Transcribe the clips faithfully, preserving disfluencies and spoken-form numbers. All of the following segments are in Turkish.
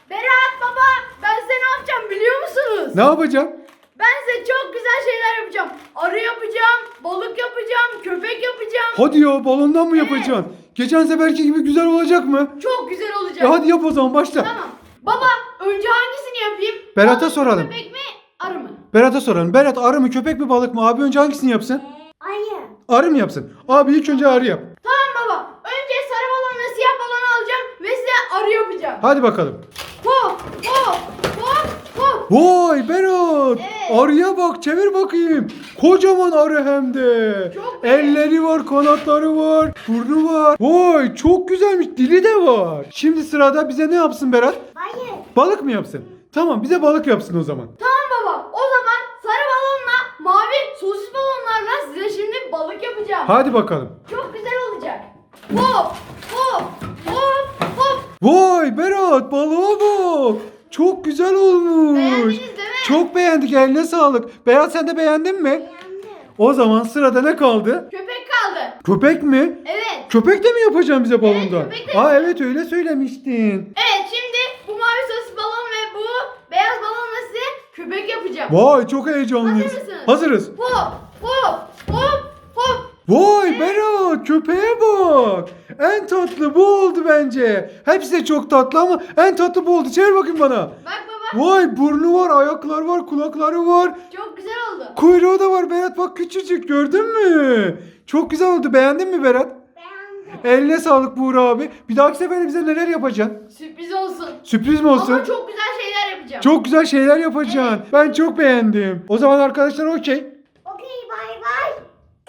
Berat baba, ben size ne yapacağım biliyor musunuz? Ne yapacağım? Ben size çok güzel şeyler yapacağım. Arı yapacağım, balık yapacağım, köpek yapacağım. Hadi ya, balondan mı Evet. yapacaksın? Geçen seferki gibi güzel olacak mı? Çok güzel olacak. E hadi yap o zaman, başla. Tamam. Baba, önce hangisini yapayım? Berat'a Balık mı, soralım. Köpek mi, arı mı? Berat'a soralım. Berat, arı mı köpek mi balık mı? Abi önce hangisini yapsın? Arı. Arı mı yapsın? Abi ilk önce arı yap. Tamam baba. Önce sarı balonla siyah balonu alacağım ve size arı yapacağım. Hadi bakalım. Hop, hop, hop, hop. Vay Berat. Evet. Arıya bak, çevir bakayım. Kocaman arı hem de. Çok büyük. Elleri var, kanatları var, burnu var. Vay çok güzelmiş, dili de var. Şimdi sırada bize ne yapsın Berat? Hayır. Balık mı yapsın? Tamam, bize balık yapsın o zaman. Tamam baba. O zaman sarı balonla mavi sosis balonlarla size şimdi balık yapacağım. Hadi bakalım. Çok güzel olacak. Hop, hop, hop, hop. Vay Berat, balığa bak. Çok güzel olmuş. Beğendiniz değil mi? Çok beğendik, eline sağlık. Berat, sen de beğendin mi? Beğendim. O zaman sırada ne kaldı? Köpek kaldı. Köpek mi? Evet. Köpek de mi yapacaksın bize balonda? köpek de Aa yapacağım. evet, öyle söylemiştin. Evet, şimdi bu mavi sosis balon ve bu beyaz balonla size köpek yapacağım. Vay çok heyecanlıyız. Hazır mısınız? Hazırız. Hop, hop, hop, hop. Vay Berat, köpeğe bak. En tatlı bu oldu bence. Hepsi de çok tatlı ama en tatlı bu oldu. Çevir bakayım bana. Bak baba, Vay, burnu var, ayaklar var, kulakları var. çok güzel oldu. Kuyruğu da var Berat, bak küçücük, gördün mü? Çok güzel oldu. Beğendin mi Berat? Beğendim. Eline sağlık Buğra abi. Bir dahaki sefere bize neler yapacaksın? Sürpriz olsun. Sürpriz mi olsun? Ama çok güzel şeyler yapacağım. Çok güzel şeyler yapacaksın. Ben çok beğendim. O zaman arkadaşlar okey. Okey, bay bay.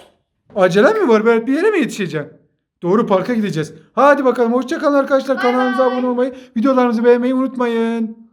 Acelen mi var Berat? Bir yere mi yetişeceksin? Doğru, parka gideceğiz. Hadi bakalım. Hoşça kalın arkadaşlar. Bay Kanalımıza bay. abone olmayı, videolarımızı beğenmeyi unutmayın.